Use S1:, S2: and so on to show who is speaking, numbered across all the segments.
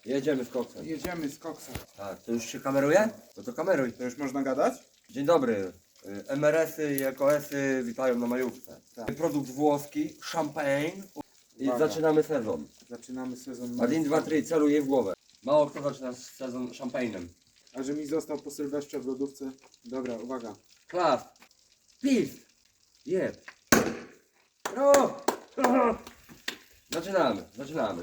S1: Jedziemy z koksem.
S2: Jedziemy z koksem.
S1: Tak, to już się kameruje? No to kameruj.
S2: To już można gadać?
S1: Dzień dobry. MRS-y i EKS-y witają na majówce.
S2: Tak.
S1: Produkt włoski, champagne. I
S2: Uwaga.
S1: zaczynamy sezon.
S2: Zaczynamy sezon.
S1: 1, 2, 3, celuję w głowę. Mało kto zaczyna sezon szampajnem.
S2: A że mi został po Sylwestrze w lodówce. Dobra, uwaga.
S1: Klas. Pis. Jeb. Brawo. Zaczynamy.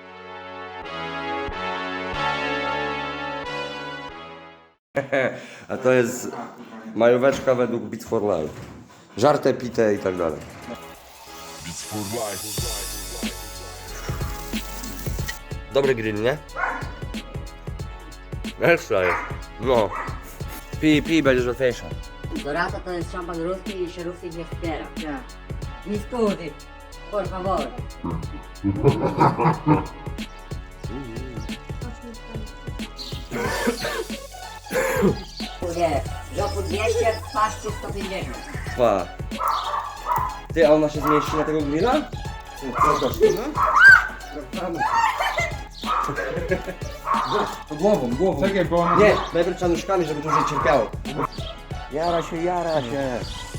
S1: A to jest majóweczka według Beats for Life. Żarte, pite i tak dalej.
S3: Beats for life.
S1: Dobry grill, nie? Ekstra jest. No. Pij, będziesz łatwiejsza.
S4: Dorato to jest szampan ruski i się Rusy nie wspiera. Ja. Mi scusi, por favor. Nie, w roku 200, w paszczy 150.
S1: Pa. Ty, a ona się zmieści na tego grilla? To głową.
S2: Czekaj, bo ona...
S1: Nie, najpierw trzeba nóżkami, żeby dłużej cierpiało. Jara się.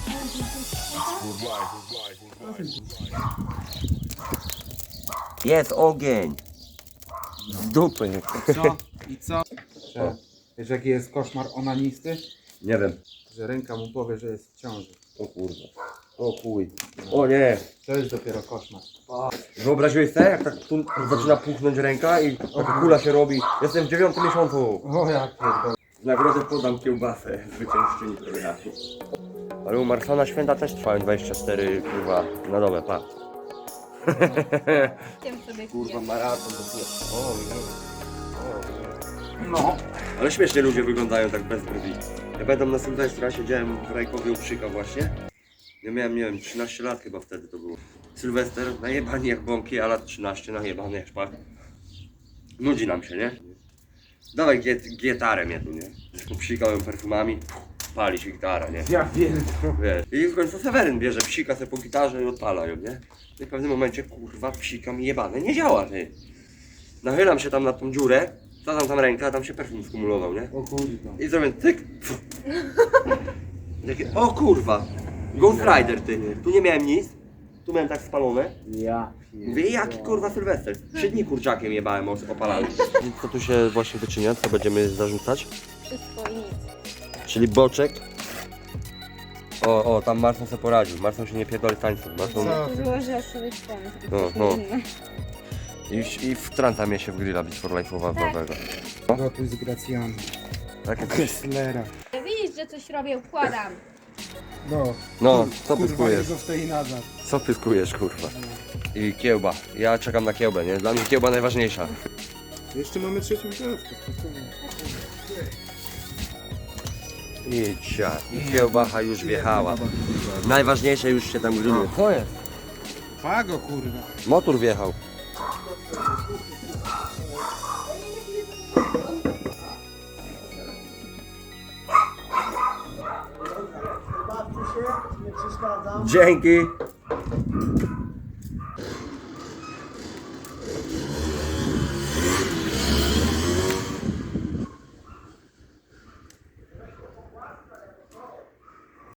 S1: Jest ogień. Z dupy.
S2: Co? I co? Wiesz jaki jest koszmar onanisty?
S1: Nie wiem.
S2: Że ręka mu powie, że jest w ciąży.
S1: O kurwa. O chuj. O nie.
S2: To jest dopiero koszmar.
S1: Wyobraziłeś sobie, jak tak tu zaczyna puchnąć ręka i taka kula się robi. Jestem w 9 miesiącu.
S2: O jak pierdolę.
S1: W nagrodę podam kiełbasę zwyciężczyni programu. Ale u Marsona święta też trwają 24 kurwa na dobę, pa. Kurwa maraton to jest. O nie.
S2: No.
S1: Ale śmiesznie ludzie wyglądają tak bez brwi. Ja pamiętam na Sylwestra, siedziałem w Rajkowie u Przyka właśnie. Ja miałem, nie wiem, 13 lat chyba wtedy to było. Sylwester, najebani jak bąki, a lat 13, najebany jak szpak. Nudzi nam się, nie? Dawaj gitarę mnie tu, nie? Popsikałem perfumami, pali się gitara, nie?
S2: Ja wiem.
S1: Wiesz. I w końcu Seweryn bierze psika se po gitarze i odpala ją, nie? I w pewnym momencie, kurwa, psika mi jebane, nie działa, ty. Nachylam się tam na tą dziurę, wsadzam tam rękę, a tam się perfum skumulował, nie?
S2: O kurwa.
S1: I zrobię tyk. Takie, o kurwa, Ghost Rider, ty. Tu nie miałem nic, tu miałem tak spalone.
S2: Ja
S1: Mówię, jaki kurwa Sylwester? 3 dni kurczakiem jebałem opalany. I co tu się właśnie wyczynia, co będziemy zarzucać?
S5: Wszystko i nic.
S1: Czyli boczek. O, tam Marson sobie poradził. Marson się nie pierdoli tańców. Marson...
S2: Co?
S5: Złożę sobie ten.
S1: No. I wtrąca mnie się w grilla Beats for Life'owego.
S2: Gotuj z Gracjanem.
S1: Tak,
S2: Kesslera.
S5: Widzisz, że coś robię, układam.
S1: no, co
S2: Kurwa,
S1: pyskujesz?
S2: jego w tej nadal.
S1: Co pyskujesz, kurwa? I kiełba. Ja czekam na kiełbę, nie? Dla mnie kiełba najważniejsza.
S2: Jeszcze mamy trzecią klatkę, spokojnie.
S1: Idźcia. I kiełbacha już wjechała. Najważniejsze już się tam grilluje. Co jest?
S2: Pago kurwa.
S1: Motor wjechał. Dzięki.